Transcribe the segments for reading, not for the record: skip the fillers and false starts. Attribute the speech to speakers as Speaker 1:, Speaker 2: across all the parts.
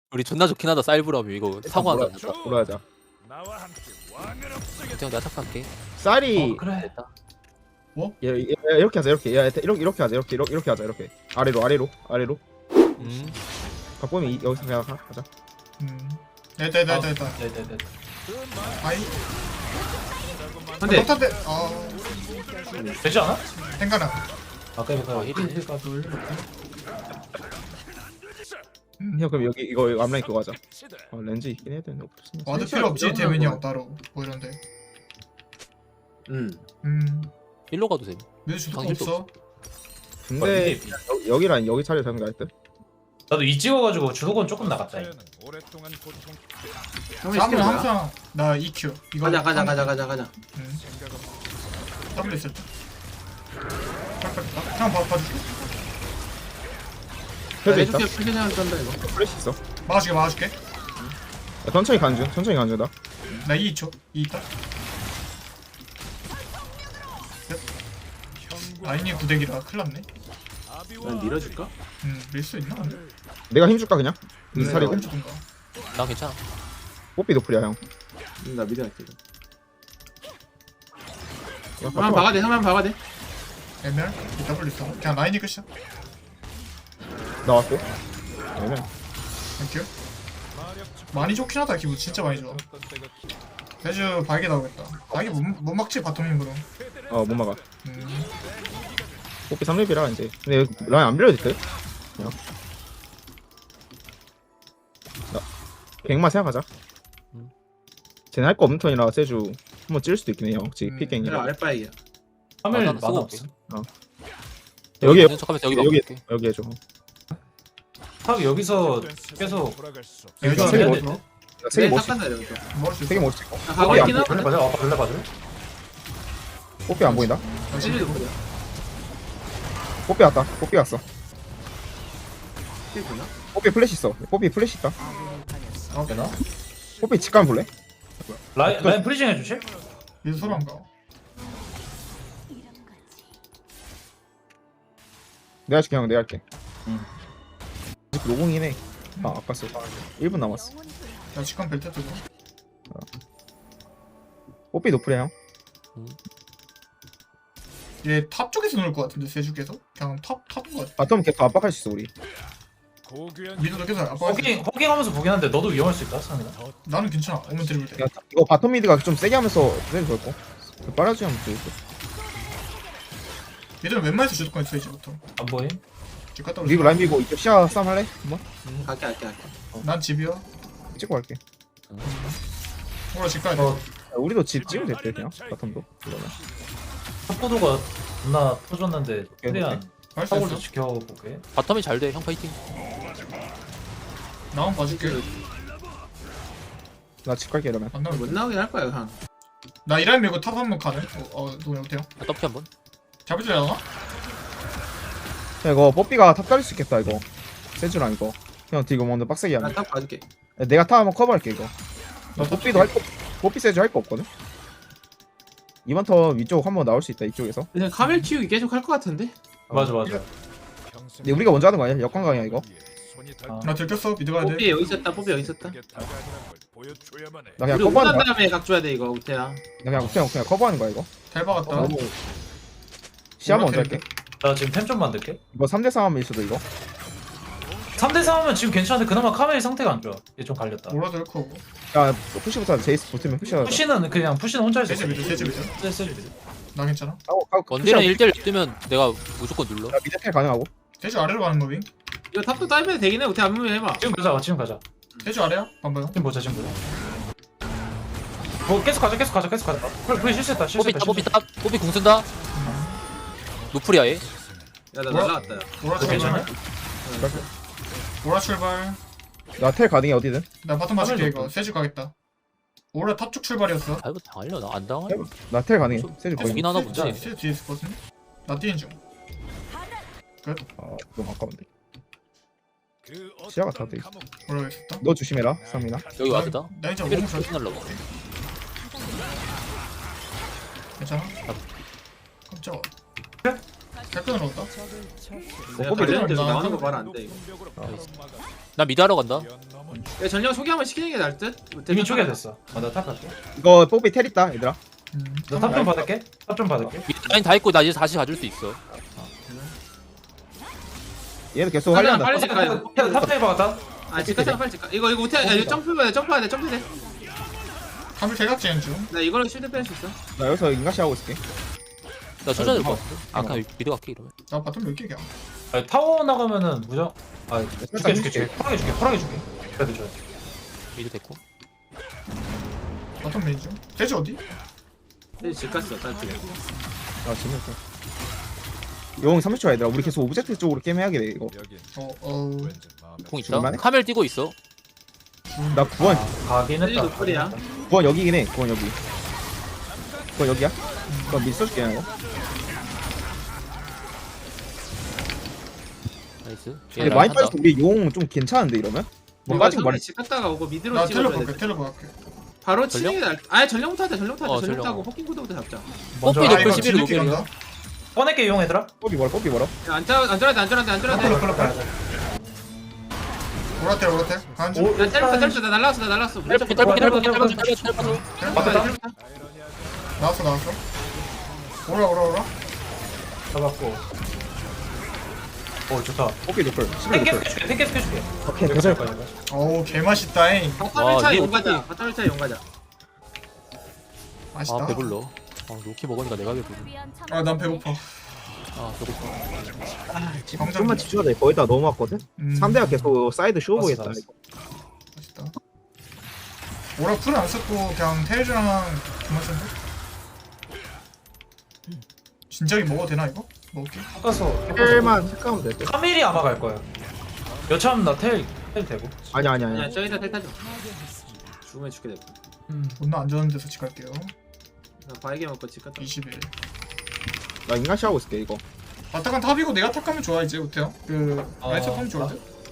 Speaker 1: 우리 존나 좋긴 하다 쌀브라미 이거 사고 하나 줬다.
Speaker 2: 돌아가자.
Speaker 1: 그냥 내가 착각할게.
Speaker 2: 쌀이
Speaker 3: 그래.
Speaker 1: 됐다.
Speaker 2: 이렇게 하자 이렇게. 야 이렇게 하자 이렇게 하자 이렇게. 아래로. 바꾸면 여기서 그냥 가자.
Speaker 4: 됐다.
Speaker 3: 네네네.
Speaker 4: 아이.
Speaker 3: 근데
Speaker 4: 못한데.
Speaker 3: 되지 않아?
Speaker 4: 땡가나.
Speaker 3: 아까 이거
Speaker 1: 힐이네.
Speaker 2: 형 그럼 여기 이거 앞라인 그거 하자. 렌즈 있긴 해야 되는데 없으면.
Speaker 4: 와드 필요 없지 대면이 형 따로 뭐 이런데.
Speaker 1: 일로 가도 돼.
Speaker 4: 왜 주도가
Speaker 1: 방실도
Speaker 4: 없어?
Speaker 2: 근데 여기랑 여기 차례 되는 거 할듯.
Speaker 3: 나도 이 찍어가지고 주도권 조금 나갔다. 이거.
Speaker 4: 나는 항상 나 EQ 이거
Speaker 5: 가자.
Speaker 4: W 있을 때. 형 봐줄게.
Speaker 2: 펴져 있다.
Speaker 5: 해줄게 그냥 쩐다 이거.
Speaker 2: 플래시 있어.
Speaker 4: 막아줄게.
Speaker 2: 야, 천천히 가는 중. 나.
Speaker 4: 나 2초. 2 있다. 라인이 구대기라 큰일났네.
Speaker 5: 난 밀어줄까?
Speaker 4: 밀 수 있나? 근데?
Speaker 2: 내가 힘 줄까 그냥? 이
Speaker 5: 그래,
Speaker 2: 살이고.
Speaker 4: 홈주든가.
Speaker 1: 나 괜찮아.
Speaker 2: 뽀삐 노플이야 형.
Speaker 5: 나 미드 할게.
Speaker 2: 야,
Speaker 5: 한번 박아대.
Speaker 4: MR? W 있어. 그냥 라인이 끝이야.
Speaker 2: 나왔고. 얘는
Speaker 4: 땡큐. 많이 좋긴 하다. 기분 진짜 많이 좋아. 대주 바이게 나오겠다. 바이게 못 막지 바텀 힘으로.
Speaker 2: 못 막아. 뽀삐 3렙이라 이제. 근데 여기 라인 안 밀어도 돼? 그냥. 나 100만 생각하자. 쟤네 할 거 없는 턴이라 세주 한번 찔 수도 있긴 해요. 혹시
Speaker 5: 그래
Speaker 2: 픽갱이라.
Speaker 5: 아랫바이야.
Speaker 3: 화면
Speaker 1: 나는
Speaker 3: 만화
Speaker 1: 쓰고
Speaker 3: 없어.
Speaker 2: 여기
Speaker 1: 있는 척하면서 여기
Speaker 2: 여기
Speaker 1: 바꿀게.
Speaker 2: 여기 해줘.
Speaker 3: 탑 여기서 계속
Speaker 4: 여기서
Speaker 2: 세개
Speaker 3: 해야
Speaker 2: 먹.
Speaker 3: 돼.
Speaker 2: 세개
Speaker 5: 네,
Speaker 2: 먹.
Speaker 5: 닦았다 이러면서.
Speaker 4: 먹을 수 있어.
Speaker 2: 세개 먹을 수 있고.
Speaker 5: 가고
Speaker 2: 뽀삐 안
Speaker 5: 있긴
Speaker 2: 보여.
Speaker 5: 하거든.
Speaker 3: 벌레 봐줘.
Speaker 2: 뽀삐 안 보인다.
Speaker 5: 찔리도 보자.
Speaker 2: 뽀삐 왔다. 뽀삐 왔어.
Speaker 5: 찔 보나?
Speaker 2: 뽀삐 플래시 있어. 뽀삐 플래시 있다.
Speaker 3: 되나?
Speaker 2: 뽀삐 집 가면 볼래?
Speaker 3: 라인 프리징 해주실?
Speaker 4: 얘도 서로 안 가.
Speaker 2: 내가 할게 형. 내가 할게.
Speaker 3: 응.
Speaker 2: 아직 노공이긴 해. 아깝어. 1분 남았어.
Speaker 4: 나 직관 벨트 뜨고.
Speaker 2: 뽀삐 노플이야 형.
Speaker 4: 얘 탑 쪽에서 놀 것 같은데 세주께서 그냥 탑인 것 같아.
Speaker 2: 바텀 계속 압박할 수 있어 우리.
Speaker 4: 미드도 계속 아빠.
Speaker 3: 호킹하면서 보긴 한데 너도 위험할 수 있다 상이나.
Speaker 4: 나는 괜찮아. 오면 드리블 돼.
Speaker 2: 야, 이거 바텀 미드가 좀 세게 하면서 세게 걸고. 빨아주면 되겠어.
Speaker 4: 얘들은 웬만해서 주도권 있어 이제부터.
Speaker 3: 안 보임?
Speaker 4: 집 갔다
Speaker 2: 리그
Speaker 4: 올게.
Speaker 2: 라인 밀고 이쪽 시야 싸움 할래? 한번?
Speaker 5: 갈게.
Speaker 4: 난 집이야.
Speaker 2: 찍고 갈게.
Speaker 4: 오라 집 가야 돼.
Speaker 3: 어.
Speaker 2: 야, 우리도 집 찍으면 됐대 그냥 바텀도. 그러면.
Speaker 3: 탑보도가 존나 터졌는데 최대한
Speaker 4: 할수
Speaker 3: 사고를
Speaker 4: 있어.
Speaker 3: 지켜볼게.
Speaker 1: 바텀이 잘 돼. 형 파이팅.
Speaker 4: 나만 봐줄게.
Speaker 2: 나 집 갈게 이러면.
Speaker 4: 안 나오면
Speaker 5: 못
Speaker 4: 돼.
Speaker 5: 나오긴 할 거야 한.
Speaker 4: 나 이라인 밀고 탑 한번 가네. 누구 어때요?
Speaker 1: 나 떡피 한번.
Speaker 4: 잡을 줄 알아?
Speaker 2: 야, 이거 뽀삐가 탑 깔릴 수 있겠다 이거. 세주랑 이거. 형 이거 먼저 빡세게 하면.
Speaker 5: 나딱 봐줄게.
Speaker 2: 야, 내가 탑 한번 커버할게 이거. 뽀삐도 할 거. 뽀삐 세주 할 거 없거든. 이번 턴 위쪽 한번 나올 수 있다 이쪽에서.
Speaker 5: 그냥 카멜 키우기 계속 할 것 같은데?
Speaker 3: 맞아.
Speaker 2: 근데 우리가 먼저 하는 거 아니야? 역광강이야 이거.
Speaker 4: 나 들켰어. 미드 가야
Speaker 5: 뽀삐
Speaker 4: 돼.
Speaker 5: 여기 있었다.
Speaker 2: 나 그냥
Speaker 5: 우리
Speaker 2: 커버하는
Speaker 5: 오난
Speaker 2: 거야.
Speaker 5: 다음에 각 줘야 돼 이거 우태야.
Speaker 2: 나 그냥 커버하는 거야 이거.
Speaker 4: 잘 박았다.
Speaker 2: 너무 시야 먼저 할게.
Speaker 3: 나 지금 템 좀 만들게.
Speaker 2: 이거 3대 3 하면 있어도 이거.
Speaker 3: 3대 3하면 지금 괜찮은데 그나마 카멜 상태가 안 좋아. 얘 좀 갈렸다.
Speaker 4: 오라도 잃고.
Speaker 2: 야 푸시부터 하자. 제이스 붙으면 푸시하자.
Speaker 3: 푸시는 혼자 할수
Speaker 4: 세주
Speaker 3: 있어.
Speaker 4: 미드. 세주 미드.
Speaker 3: 세지.
Speaker 4: 나 괜찮아.
Speaker 1: 원딜은 1대1 뜨면 내가 무조건 눌러.
Speaker 2: 야 미드 텔 가능하고.
Speaker 4: 세주 아래로 가는 거 윙.
Speaker 5: 이거 탑도 따이면 되긴 해. 우태 한 번만 해봐.
Speaker 3: 지금 가자.
Speaker 4: 세주 아래야? 반봐요.
Speaker 3: 지금 보자. 뭐 계속 가자. 프리 실수했다.
Speaker 1: 뽀삐 뽀삐 궁 쓴다. 노플이야 얘.
Speaker 5: 야나
Speaker 4: 뭐야?
Speaker 5: 날라갔다. 야.
Speaker 4: 오라
Speaker 3: 괜찮냐?
Speaker 4: 출발. 오라 출발.
Speaker 2: 나 텔 가능해 어디든.
Speaker 4: 나 바텀 맞을게
Speaker 3: 카멜
Speaker 4: 이거. 세주 가겠다. 오라 탑 쪽 출발이었어.
Speaker 1: 아 이거 당하려 나 안 당하려.
Speaker 2: 나 텔 가능해. 세주 거의.
Speaker 1: 거긴 하나 보지.
Speaker 4: 세주 뒤에 있었거든. 나 뛰는 중.
Speaker 2: 너무 아까운데. 시야가 다 돼.
Speaker 4: 오라 있었다.
Speaker 2: 너 조심해라 상민아.
Speaker 1: 여기 와드다.
Speaker 4: 나 이제
Speaker 1: 피를
Speaker 4: 몸 잘.
Speaker 1: 날라고.
Speaker 4: 괜찮아? 깜짝아. 탈끈으로 온다.
Speaker 5: 내가
Speaker 2: 뽀삐
Speaker 5: 관련돼
Speaker 4: 들어온다.
Speaker 5: 나오는 거 말 안 돼 이거.
Speaker 1: 나 미드하러 간다.
Speaker 5: 야 전령 소개 한번 시키는 게 나을 듯.
Speaker 3: 이미 초기화됐어. 나탑 갈게.
Speaker 2: 이거 뽀삐 텔 있다 얘들아.
Speaker 3: 나 탑 좀 받을게. 탑 좀 받을게.
Speaker 1: 미드 라인 다 있고 나 이제 다시 가줄 수 있어.
Speaker 2: 얘도 계속
Speaker 5: 빨리
Speaker 2: 활려한다.
Speaker 5: 빨리 가야 돼.
Speaker 3: 탑 타입 박았다.
Speaker 5: 아 집갔다 빨리 집가. 이거 못해. 야 이거 점프해야 돼. 점프해야 돼. 점프해.
Speaker 4: 한물 대각지는 중.
Speaker 5: 나 이걸로 쉴드 뺄 수 있어.
Speaker 2: 나 여기서 인가시 하고 있을게.
Speaker 1: 나 초자 될것 같은데. 아 그냥 미드 갈게 이러면.
Speaker 4: 나 바텀 몇 개야?
Speaker 3: 아니, 타워 나가면은 무적. 아 줄게 줄게 줄게. 쿨하게 줄게. 그래도 줘야 돼.
Speaker 1: 미드 됐고.
Speaker 4: 바텀 메인 중. 돼지 어디?
Speaker 5: 집 갔어. 딸피.
Speaker 2: 아 재밌어. 용 30초 얘들아. 우리 계속 오브젝트 쪽으로 게임 해야겠네 이거.
Speaker 1: 공 있다.
Speaker 2: 줄만해?
Speaker 1: 카멜 뛰고 있어.
Speaker 2: 나 9원.
Speaker 3: 가긴
Speaker 5: 셀리
Speaker 3: 했다.
Speaker 5: 노플이야.
Speaker 2: 9원 여기긴 해. 9원 여기. 9원 여기야? 그럼 미드 써줄게 이거.
Speaker 1: 나이스.
Speaker 2: 근데 많이 빠져서 우리 용 좀 괜찮은데 이러면? 뭐 빠진 거 말해.
Speaker 5: 집 갔다가 오고 미드로
Speaker 4: 나
Speaker 5: 찍어야
Speaker 4: 텔레
Speaker 5: 돼.
Speaker 4: 볼게. 텔레 볼게.
Speaker 5: 바로
Speaker 1: 전령?
Speaker 5: 치는 게 나을. 아예 전령부터 하자. 전령부터 하자.
Speaker 1: 어,
Speaker 5: 전령부터
Speaker 1: 전령.
Speaker 5: 하고 포킹 구도부터 잡자.
Speaker 3: 먼저
Speaker 1: 뽀삐
Speaker 4: 아
Speaker 1: 노플
Speaker 4: 이거
Speaker 1: 11
Speaker 4: 뒤늦게
Speaker 1: 노플이야.
Speaker 4: 간다.
Speaker 3: 꺼낼게 이용 얘들아.
Speaker 2: 뽀삐 멀어 뽀삐 멀어.
Speaker 5: 야, 안 잘라야 돼. 안 잘라야 돼.
Speaker 3: 클럽 가야 돼.
Speaker 4: 오라텔 오라텔. 간 중.
Speaker 3: 오,
Speaker 5: 나 때렸어. 나 날라왔어.
Speaker 1: 딸피
Speaker 4: 나왔어. 오라.
Speaker 3: 잡았고. 오 좋다.
Speaker 2: 뽀삐 노플. 11
Speaker 3: 탱캐
Speaker 2: 노플.
Speaker 3: 해줄게. 탱캐 해줄게.
Speaker 2: 오케이 계속.
Speaker 4: 어우 개맛있다잉.
Speaker 5: 바텀 1차
Speaker 1: 이거
Speaker 5: 용 가자.
Speaker 1: 어떡해.
Speaker 5: 바텀 1차 용 가자.
Speaker 4: 맛있다.
Speaker 1: 아 배불러. 아 로키 먹으니까 내가 배불러.
Speaker 4: 난 배고파.
Speaker 1: 아 배고파.
Speaker 2: 좀만 집중하자. 거의 다 넘어왔거든. 3대가 계속 사이드 쇼 보겠다.
Speaker 3: 알았어.
Speaker 2: 이거.
Speaker 4: 맛있다. 오라 풀을 안 썼고 그냥 테일즈랑 그만 쓴데? 진작에 먹어도 되나 이거? 먹을게.
Speaker 3: 깎아서.
Speaker 2: 텔만 체크하면 될 듯.
Speaker 3: 카밀이 아마 갈 거야. 여차하면 나텔 되고.
Speaker 2: 아니야.
Speaker 5: 야 저기다 텔 타줘. 죽으면 죽게 될 거야.
Speaker 4: 존나 안전한 데서 집 갈게요.
Speaker 5: 나 바이게 먹고 집 갔다.
Speaker 4: 21.
Speaker 2: 나 인가시 하고 있을게 이거.
Speaker 4: 바타간 탑이고 내가 탑 가면 좋아 이제 우태요. 그 라이트 하면 좋아.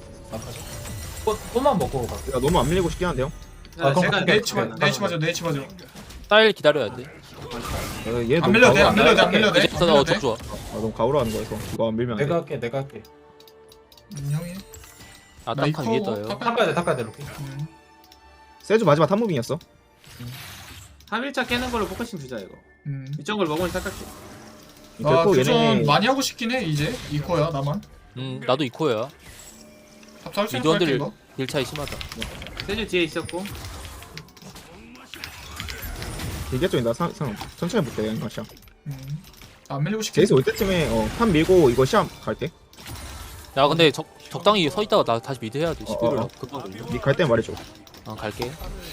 Speaker 3: 꽃만 먹고 가.
Speaker 2: 야 너무 안 밀리고 싶긴 한데요.
Speaker 3: 아, 그럼
Speaker 5: 제가
Speaker 3: 그게-
Speaker 4: 네이치 맞아.
Speaker 1: 딸 기다려야 돼.
Speaker 2: 얘
Speaker 4: 안
Speaker 2: 너무
Speaker 4: 밀려도 돼.
Speaker 2: 가오라.
Speaker 4: 안 밀려도 돼. 안 밀려도 돼.
Speaker 1: 이제 어 çok 좋아.
Speaker 2: 너무 가오라는 거여서 이거 안 밀면 안 돼.
Speaker 3: 내가 할게.
Speaker 4: 형이.
Speaker 1: 아
Speaker 4: 나
Speaker 1: 딱한 위에 떠요.
Speaker 3: 탑 가야 돼 로키.
Speaker 2: 세주 마지막 탑무빙이었어.
Speaker 5: 3일차 깨는 걸로 포커싱 주자 이거. 이쪽 걸 먹으면 닦을게.
Speaker 4: 나
Speaker 2: 결국
Speaker 4: 교전
Speaker 2: 얘네
Speaker 4: 많이 하고 싶긴 해 이제. 이코야 나만.
Speaker 1: 나도 이코야.
Speaker 4: 탑 살수 있을 것 같아
Speaker 1: 미드원들
Speaker 4: 이거.
Speaker 1: 일 차이 심하다.
Speaker 5: 세주 뒤에 있었고.
Speaker 2: 이게 좀 나 천천히 볼게 인가시야.
Speaker 4: 안 밀리고 싶긴 해.
Speaker 2: 제이스 올 때쯤에 탑 밀고 이거 시합 갈게.
Speaker 1: 야 근데 적당히 서 있다가 나 다시 미드 해야 돼.
Speaker 2: 어,
Speaker 1: 11을
Speaker 2: 어.
Speaker 1: 금방 걸려.
Speaker 2: 갈 때 말해줘.
Speaker 1: 갈게.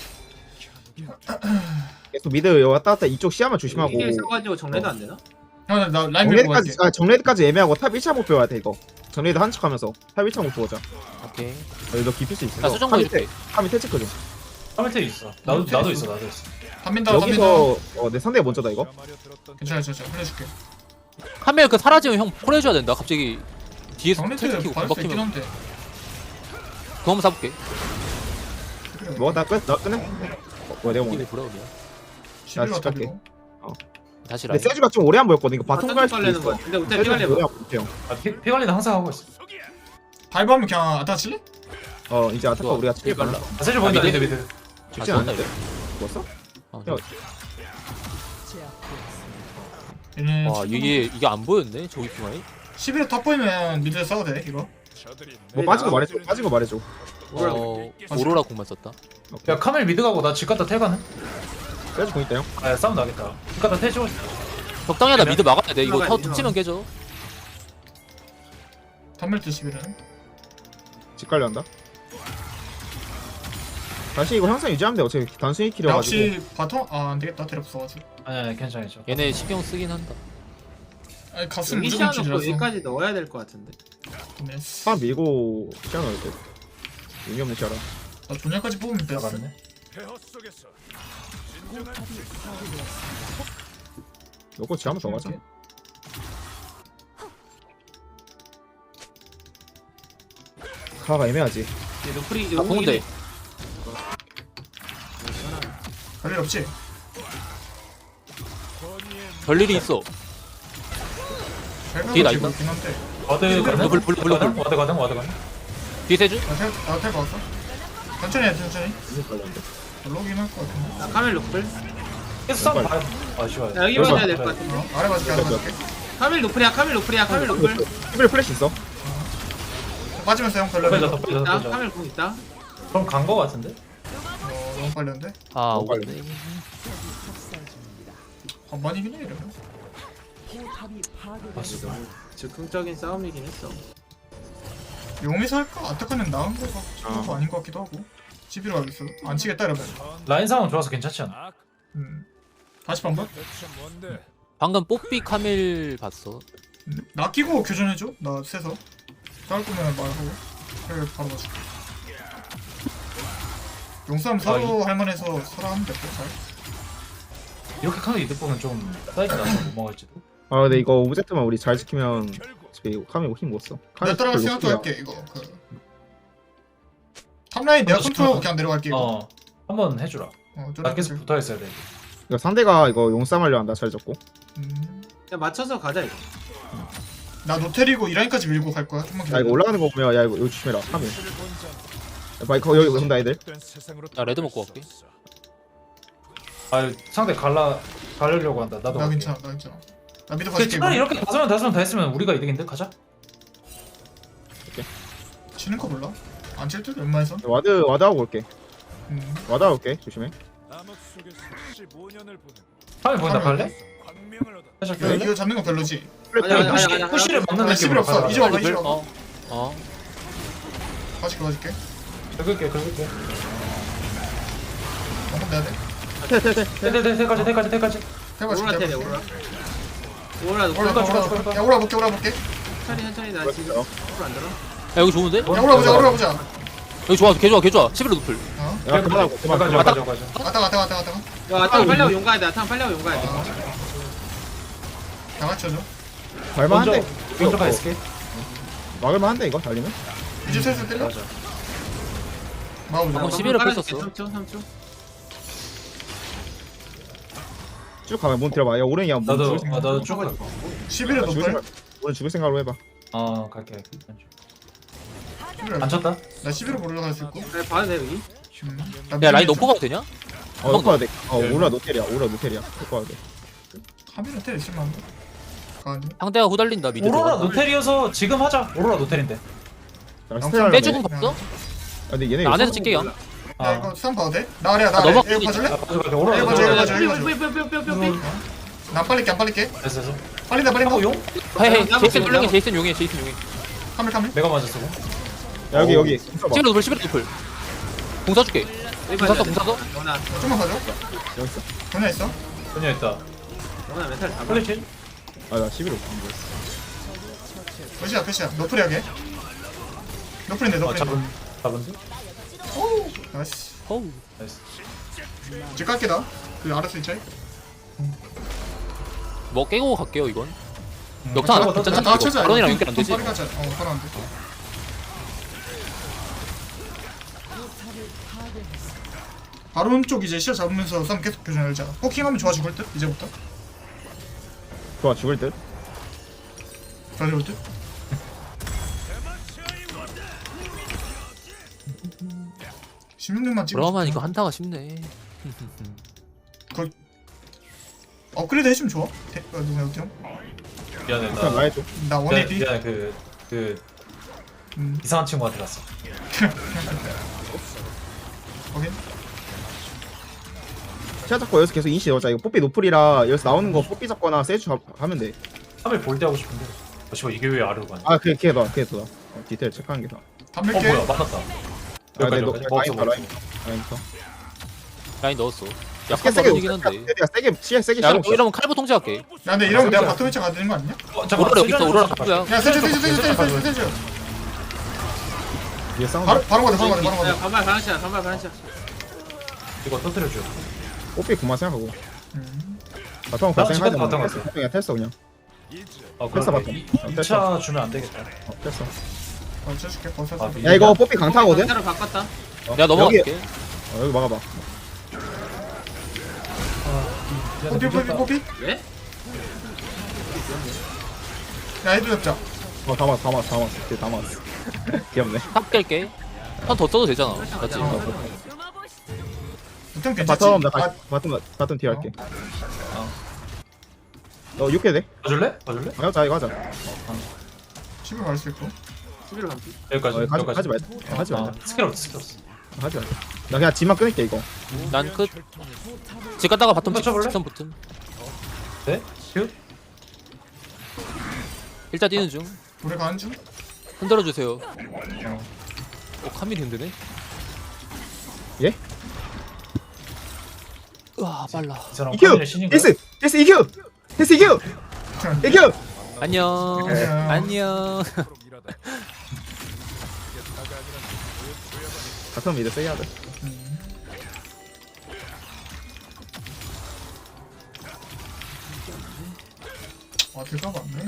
Speaker 2: 계속 미드 왔다 갔다 이쪽 시야만 조심하고.
Speaker 5: 이게 있어가지고 정례도 안 되나?
Speaker 4: 형 나 라인 밀고 갈게.
Speaker 2: 정레드까지 애매하고 탑 1차 목표 해야 돼 이거. 정레드 한 척하면서 탑 1차 목표 보자.
Speaker 1: 오케이.
Speaker 2: 너 깊일 수 있어.
Speaker 1: 나 수정거 해줄게.
Speaker 2: 탑 밑에 체크 좀.
Speaker 3: 카밀 있어. 나도 있어.
Speaker 4: 단민다.
Speaker 2: 여기서 내 상대가 먼저다 이거.
Speaker 4: 괜찮아. 흘려줄게.
Speaker 1: 카멜 그 사라지면 형 콜 해줘야 된다. 갑자기 뒤에서 텔
Speaker 4: 정리트
Speaker 1: 키고
Speaker 4: 받을 수 있긴
Speaker 1: 금박히면
Speaker 4: 한데.
Speaker 1: 그거 한번 사볼게.
Speaker 2: 뭐 나 끝? 나 끝내? 뭐야 내가
Speaker 1: 이게
Speaker 2: 뭐네.
Speaker 1: 브라운이야.
Speaker 4: 11로
Speaker 2: 집 갈게.
Speaker 4: 탑이고.
Speaker 1: 다시
Speaker 2: 근데
Speaker 1: 라인.
Speaker 2: 세주가 좀 오래 안 보였거든. 이거 바텀 갈 수도
Speaker 5: 빨래는
Speaker 2: 있어.
Speaker 5: 거야. 근데 우태
Speaker 2: 세주가
Speaker 5: 피갈래
Speaker 2: 오래
Speaker 5: 봐.
Speaker 2: 안 보여.
Speaker 3: 피 관리는 항상 하고 있어.
Speaker 4: 바이브 하면 그냥 아타 칠래?
Speaker 2: 이제 아타카
Speaker 1: 좋아.
Speaker 2: 우리가 칠
Speaker 1: 빨라.
Speaker 2: 빨라.
Speaker 3: 세줄 보인다
Speaker 1: 미드?
Speaker 3: 미드.
Speaker 2: 쉽지
Speaker 1: 아,
Speaker 2: 않은데.
Speaker 1: 좋다,
Speaker 2: 죽었어?
Speaker 1: 어,
Speaker 2: 야,
Speaker 4: 얘는
Speaker 1: 와 이게 안 보였네. 저기 중앙에.
Speaker 4: 11에 탑 보이면 미드에 싸워도 돼 이거.
Speaker 2: 뭐 빠진 거 말해줘.
Speaker 1: 오로라 공만 썼다.
Speaker 3: 야 카밀 미드 가고 나 집 갔다 텔 가는?
Speaker 2: 세주 공 있다 형.
Speaker 3: 아 싸움 나겠다. 집 갔다 텔 치고.
Speaker 1: 적당히 하다 미드 막아야 돼. 이거
Speaker 5: 막아야 돼,
Speaker 1: 툭 치면 깨져.
Speaker 4: 탑밀트 11은.
Speaker 2: 집 관리한다. 다시 이거 항상 유지하면 돼. 어차피 단순히
Speaker 4: 야
Speaker 2: 킬여가지고.
Speaker 4: 혹시 바텀? 아 안되겠다 테레 없어가지고.
Speaker 3: 아니 괜찮아.
Speaker 1: 얘네 신경 쓰긴 한다.
Speaker 4: 아니 갔으면
Speaker 5: 여기
Speaker 4: 무조건
Speaker 5: 시야놓고
Speaker 4: 킬이라서.
Speaker 5: 여기까지 넣어야 될 것 같은데.
Speaker 4: 네.
Speaker 2: 탑 밀고 시야 넣을 때. 의미 없는 시야라.
Speaker 4: 나 존야까지 뽑으면 돼.
Speaker 3: 들어갔네.
Speaker 2: 넣고 지 한번 더 가자. 가가 애매하지.
Speaker 5: 얘 노플이
Speaker 1: 아 공대.
Speaker 4: 별일 없지?
Speaker 1: 별일이 있어. 뒤에 나 있다.
Speaker 4: 있긴 한데.
Speaker 3: 와드 가능?
Speaker 1: 블루, 블루, 블루, 블루.
Speaker 3: 와드 가능? 와드 가능?
Speaker 1: 뒤에 세주?
Speaker 4: 나텔 봤어? 천천히 해 천천히. 블록인 할 것 같은데.
Speaker 5: 나 카멜 노플.
Speaker 3: 계속 싸움 봐요. 아 씨발.
Speaker 5: 나 여기 봐줘야 될 것 같은데.
Speaker 4: 아래 봐줄게 아래 봐줄게.
Speaker 5: 카멜 노플이야 카멜 노플이야 카멜 노플.
Speaker 2: 시빌 플래시 있어.
Speaker 4: 빠지면서 형 별로.
Speaker 3: 더
Speaker 5: 있다
Speaker 3: 빼자.
Speaker 5: 카멜 공 있다.
Speaker 3: 그럼 간 거 같은데?
Speaker 4: 너무 빨렸는데?
Speaker 1: 아
Speaker 2: 너무
Speaker 1: 오겠네.
Speaker 4: 반반이긴 해 이러면.
Speaker 5: 즉흥적인 싸움이긴 했어.
Speaker 4: 용에서 할까? 아타카는 나은 거 같고 아닌 것 같기도 하고. 집으로 가겠어. 안 치겠다 이러면.
Speaker 3: 라인 상황 좋아서 괜찮지 않아?
Speaker 4: 다시 반반?
Speaker 1: 방금 뽀삐 카밀 봤어.
Speaker 4: 나 끼고 교전해줘. 나 세서. 싸울 거면 말하고. 그래 바로 가줄게. 용싸움 서로 할만해서 서로 하면 될거 잘.
Speaker 3: 이렇게 카드 이득 보면 좀 사이즈 나서 못 먹을지도.
Speaker 2: 아 근데 이거 오브젝트만 우리 잘 지키면 어차피 카밀 힘 못 써.
Speaker 4: 내가 따라갈
Speaker 2: 별로
Speaker 4: 생각도
Speaker 2: 없구나.
Speaker 4: 할게 이거. 탑라인 내가 컨트롤 그냥 내려갈게 이거.
Speaker 3: 어. 한번 해주라. 나 계속 붙어 있어야 돼.
Speaker 2: 이거 상대가 이거 용싸움 하려 한다 잘 잡고.
Speaker 5: 그냥 맞춰서 가자 이거.
Speaker 4: 나 노텔이고 이 라인까지 밀고 갈 거야. 좀만
Speaker 2: 야
Speaker 4: 기다려.
Speaker 2: 이거 올라가는 거 보면 야 이거 여기 조심해라 카밀. 야 바이커 여기 온다 애들.
Speaker 1: 나 레드 먹고 갈게.
Speaker 3: 아 상대 가려고 한다. 나도.
Speaker 4: 나
Speaker 3: 갈게.
Speaker 4: 괜찮아 나 괜찮아. 나 미드
Speaker 3: 근데
Speaker 4: 가줄게
Speaker 3: 차라리
Speaker 4: 이거.
Speaker 3: 이렇게 다섯 명 다 했으면 우리가 이득인데 가자.
Speaker 4: 치는 거 몰라? 안 칠 듯? 웬만해서?
Speaker 2: 와드 하고 올게. 와드 하고 올게 조심해.
Speaker 3: 카메 보인다
Speaker 4: 카메라
Speaker 3: 갈래? 살짝
Speaker 4: 야,
Speaker 3: 갈래?
Speaker 4: 이거 잡는 거 별로지?
Speaker 5: 아니, 아니, 아니, 아니,
Speaker 3: 푸시를 막는
Speaker 4: 아, 시빌
Speaker 3: 느낌으로
Speaker 4: 없어.
Speaker 3: 가자.
Speaker 4: 이제 와봐 이제
Speaker 1: 어.
Speaker 4: 와봐.
Speaker 1: 어.
Speaker 4: 가줄게
Speaker 3: 긁을게.
Speaker 4: 한번 내야 돼.
Speaker 2: 테테테.
Speaker 3: 대까지.
Speaker 5: 오로라 테레
Speaker 4: 해봐
Speaker 5: 오로라. 오로라 노플.
Speaker 4: 오라
Speaker 3: 추가.
Speaker 4: 야 오라 볼게
Speaker 5: 천천히 나 지금
Speaker 2: 어.
Speaker 5: 노플 안 들어.
Speaker 1: 야 여기 좋은데?
Speaker 4: 야 오라 보자
Speaker 1: 여기 좋아 개 좋아. 11호 노플.
Speaker 4: 어?
Speaker 2: 야 그만하고 그만.
Speaker 3: 가자.
Speaker 4: 왔다가
Speaker 5: 야 아탕 빨려고 용 가야 돼. 아탕 빨려고 용 가야 돼.
Speaker 4: 다 맞춰줘.
Speaker 2: 갈만한데.
Speaker 3: 먼저 가 있을게.
Speaker 2: 막을만한데 이거 달리면.
Speaker 4: 이제 슬슬 때려.
Speaker 3: 맞아.
Speaker 4: 마우자.
Speaker 1: 방금 11을 뺐었어.
Speaker 5: 3초.
Speaker 2: 쭉 가면 문 들어봐. 야 오른이야. 문
Speaker 3: 나도
Speaker 2: 죽을 생각.
Speaker 3: 나도 쭉 가.
Speaker 4: 11에 높을.
Speaker 2: 오른 죽을 생각으로 해봐.
Speaker 3: 갈게.
Speaker 4: 안
Speaker 3: 안 쳤다.
Speaker 4: 나 11에 올라갈 수 있고.
Speaker 5: 그래 봐도 돼 여기.
Speaker 1: 야 라인 높고 가도 되냐?
Speaker 2: 놓고 돼. 오라 노텔이야. 놓고 와야 돼.
Speaker 4: 카메라 텔 있으면 안 돼. 가니.
Speaker 1: 상대가 후달린다 미드.
Speaker 3: 오로라 노텔이어서 지금 하자. 오로라 노텔인데.
Speaker 2: 나 스텔 할래.
Speaker 1: 빼주고 봤어?
Speaker 2: 아, 근데 얘네
Speaker 1: 나 안에서
Speaker 2: 이거
Speaker 1: 찍게요.
Speaker 4: 야 이거 쌈 봐도 돼? 나 아래야 나
Speaker 1: 아,
Speaker 4: 아래.
Speaker 1: 넘어가-
Speaker 4: 이거 봐줄래?
Speaker 3: 가자. 오로라
Speaker 4: 이거
Speaker 3: 노텔.
Speaker 4: 봐줘.
Speaker 5: 뿅뿅뿅뿅뿅뿅.
Speaker 4: 나 빨릴게.
Speaker 3: 됐어.
Speaker 4: 빨린다.
Speaker 3: 하고 용?
Speaker 1: 헤이
Speaker 5: 나무
Speaker 1: 제이슨
Speaker 5: 나무.
Speaker 1: 훌륭해. 제이슨 용해.
Speaker 4: 카메라.
Speaker 3: 내가 맞았어.
Speaker 2: 야, 여기. 써봐.
Speaker 1: 11호 노플. 11호 노플. 공 쏴줄게. 공 쐈어.
Speaker 5: 원아
Speaker 4: 좀만 봐줘.
Speaker 2: 여기 있어.
Speaker 4: 전화 있어?
Speaker 3: 전혀 있다.
Speaker 5: 원아 메탈 잡아.
Speaker 3: 플래시?
Speaker 2: 아, 나 11호.
Speaker 4: 몇이야? 노플이 하게. 노플인데.
Speaker 3: 잡은데?
Speaker 4: 오. 나이스.
Speaker 1: 어우.
Speaker 3: 나이스.
Speaker 4: 이제 깎게다. 그 알았어 이제.
Speaker 1: 뭐 깨고 갈게요 이건.
Speaker 3: 음,
Speaker 1: 역사 안
Speaker 3: 다
Speaker 1: 하고
Speaker 3: 쳤다.
Speaker 1: 괜찮다.
Speaker 4: 다 쳐줘.
Speaker 1: 바론이랑 연결 안 되지?
Speaker 4: 빠르게 하자. 바로 안 돼. 바론 쪽 이제 시야 잡으면서 싸움 계속 교전 열자. 포킹하면 좋아 죽을 듯 이제부터.
Speaker 2: 좋아, 죽을 듯.
Speaker 4: 좋아 죽을 듯. (16년만) 찍어.
Speaker 1: 그러면 이거 한타가 쉽네.
Speaker 4: 업그레이드 해주면 좋아. 누구야 어때요?
Speaker 3: 미안해.
Speaker 2: 그냥 나 해줘.
Speaker 4: 나 원에이티.
Speaker 3: 미안해. 그
Speaker 4: 음.
Speaker 3: 이상한 친구한테 갔어.
Speaker 4: 오케이.
Speaker 2: 시야 잡고 여기서 계속 인시 넣자. 이거 뽀삐 노플이라 여기서 나오는 거 뽀삐 잡거나 세주 하면 돼.
Speaker 3: 3일 볼 때 하고 싶은데. 씨발 이게 왜 아래로 가냐?
Speaker 2: 아, 그게 더. 디테일 체크하는 게 더.
Speaker 4: 담백해.
Speaker 3: 뭐야 맞았다.
Speaker 2: 아, 근데 너
Speaker 3: 여기까지, 여기까지.
Speaker 2: 라인부터.
Speaker 1: 라인 넣었어.
Speaker 2: 세게
Speaker 1: 약간
Speaker 2: 세게
Speaker 1: 버리긴 한데.
Speaker 2: 내가 세게 시야 세게
Speaker 1: 야
Speaker 2: 시야.
Speaker 1: 이러면 칼부 통제할게.
Speaker 4: 야 근데 이러면 내가 바텀 위치 가야 되는 거 아니냐?
Speaker 1: 오로라 여기 있어. 오로라 칼부야.
Speaker 4: 야 세주.
Speaker 2: 위에 싸운다.
Speaker 4: 바로 가자.
Speaker 5: 야 반발 반샷.
Speaker 3: 이거 터뜨려줘.
Speaker 2: 뽀삐 그만 생각하고. 바텀
Speaker 3: 나
Speaker 2: 갈
Speaker 3: 집에
Speaker 2: 생각하지
Speaker 3: 바텀
Speaker 2: 마.
Speaker 3: 갔어.
Speaker 2: 그냥 텔어 그냥.
Speaker 3: 그래.
Speaker 2: 바텀.
Speaker 3: 2차 주면 안 되겠다.
Speaker 2: 텔어.
Speaker 4: 쳐줄게. 버섯.
Speaker 3: 아,
Speaker 2: 야 이거 뽀삐 강타거든.
Speaker 5: 강타로 바꿨다.
Speaker 1: 내가 넘어갈게.
Speaker 2: 여기 막아봐.
Speaker 4: 뽀삐.
Speaker 5: 왜?
Speaker 4: 야 해도 잡자.
Speaker 2: 다 맞았어. 그때 다 맞았어. 귀엽네.
Speaker 1: 탑 깰게. 한 더 써도 되잖아. 맞지?
Speaker 4: 보통 괜찮지?
Speaker 2: 바텀 나 바텀 뒤에 할게. 너 6개 돼?
Speaker 3: 봐줄래? 봐줄래?
Speaker 2: 가자 이거 하자.
Speaker 4: 10을 갈 수 있고.
Speaker 5: 11을 반피.
Speaker 3: 여기까지. 여기까지.
Speaker 2: 하지 말자. 하지 말자.
Speaker 3: 스킬 없어 스킬 없어.
Speaker 2: 하지 말자. 나 그냥 지만 끊을게 이거.
Speaker 1: 난 끝. 집 갔다가 바텀
Speaker 3: 쳐볼래?
Speaker 1: 직선 붙음.
Speaker 3: 네? 큐?
Speaker 1: 일단 뛰는 중.
Speaker 4: 우리 가는 중.
Speaker 1: 흔들어 주세요. 카밀이 흔드네.
Speaker 2: 예?
Speaker 1: 우와 빨라.
Speaker 3: 이 사람
Speaker 2: EQ!
Speaker 3: 카밀의 신인 거야?
Speaker 2: 데스 EQ! 데스 EQ! EQ!
Speaker 1: 안녕.
Speaker 4: 안녕.
Speaker 1: 안녕.
Speaker 2: 바텀 미드 세게 하자.
Speaker 4: 아 될까 봤네.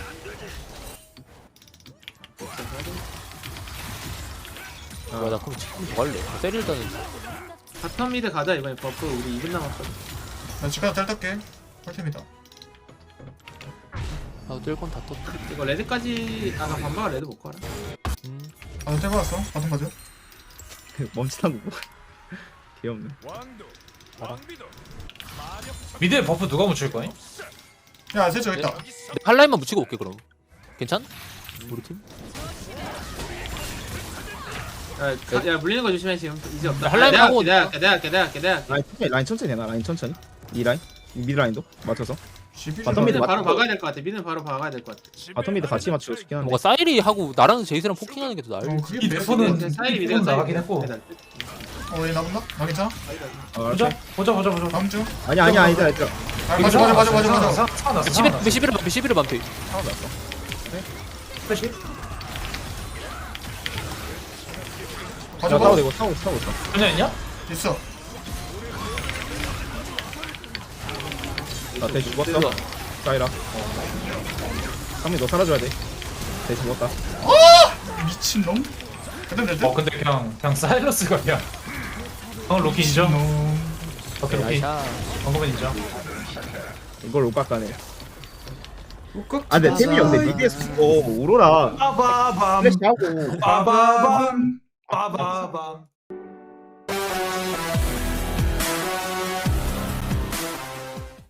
Speaker 1: 나 그럼 지금 더 할래. 세리 일단은
Speaker 5: 바텀 미드 가자 이번에 버프 우리 2분 남았거든.
Speaker 4: 나 집가서 텔 탈게. 펄템이다.
Speaker 1: 나도 뜰건 다 떴다.
Speaker 5: 이거 레드까지 아나 반바가 레드 못 가라.
Speaker 4: 바텀 텔 받았어. 바텀 가져.
Speaker 2: 멈칫한 거. 귀엽네.
Speaker 3: 미드에 버프 누가 묻힐 거니?
Speaker 4: 야 세조 있다.
Speaker 1: 한라인만 묻히고 올게 그럼. 괜찮? 우리 팀?
Speaker 5: 야 물리는 거 조심해 지금 이제 없다.
Speaker 1: 야, 할라인 하고
Speaker 5: 내가 할게.
Speaker 2: 라인 천천히 해놔. 라인 천천히. 이 라인. 이 미드 라인도 맞춰서.
Speaker 4: CP
Speaker 2: 바텀
Speaker 4: 좀
Speaker 2: 미드
Speaker 5: 미는 바로
Speaker 2: 맞고.
Speaker 5: 박아야 될 것 같아. 미는 바로 박아야 될 것 같아.
Speaker 2: 바텀 미드 같이 맞추고 싶긴 한데.
Speaker 1: 뭔가 사이리 하고 나랑 제이스랑 포킹하는 게 더 나을.
Speaker 4: 어 그게
Speaker 3: 이
Speaker 4: 베스트.
Speaker 3: 대포는
Speaker 5: 사이리
Speaker 3: 미드가
Speaker 5: 미드가
Speaker 3: 나가긴 했고.
Speaker 4: 어얘 나본다? 나 괜찮아?
Speaker 3: 보자 보자.
Speaker 4: 다음 중.
Speaker 2: 아니야 얘들아.
Speaker 4: 아 맞아.
Speaker 3: 사놨어.
Speaker 1: 11을 반피 11을 반피.
Speaker 3: 플래시?
Speaker 4: 가져
Speaker 2: 타고
Speaker 4: 봐.
Speaker 2: 되고 타고 있어.
Speaker 3: 전혀 있냐?
Speaker 4: 있어.
Speaker 2: 나 대시 죽었어. 사이라. 상민 너 사라져야 돼. 대시 죽었다.
Speaker 4: 미친 놈. 그다음 되지?
Speaker 3: 근데 그냥 사일러스가 그냥. 로키 인정?
Speaker 4: 놈.
Speaker 3: 오케이 로키.
Speaker 1: 나이샤.
Speaker 3: 방금은 인정.
Speaker 2: 이걸 못 깎아내. 아 근데 템이 없네. 미드에서 오로라.
Speaker 3: 빠바밤
Speaker 2: 플래시 하고.
Speaker 3: 빠바밤 빠바밤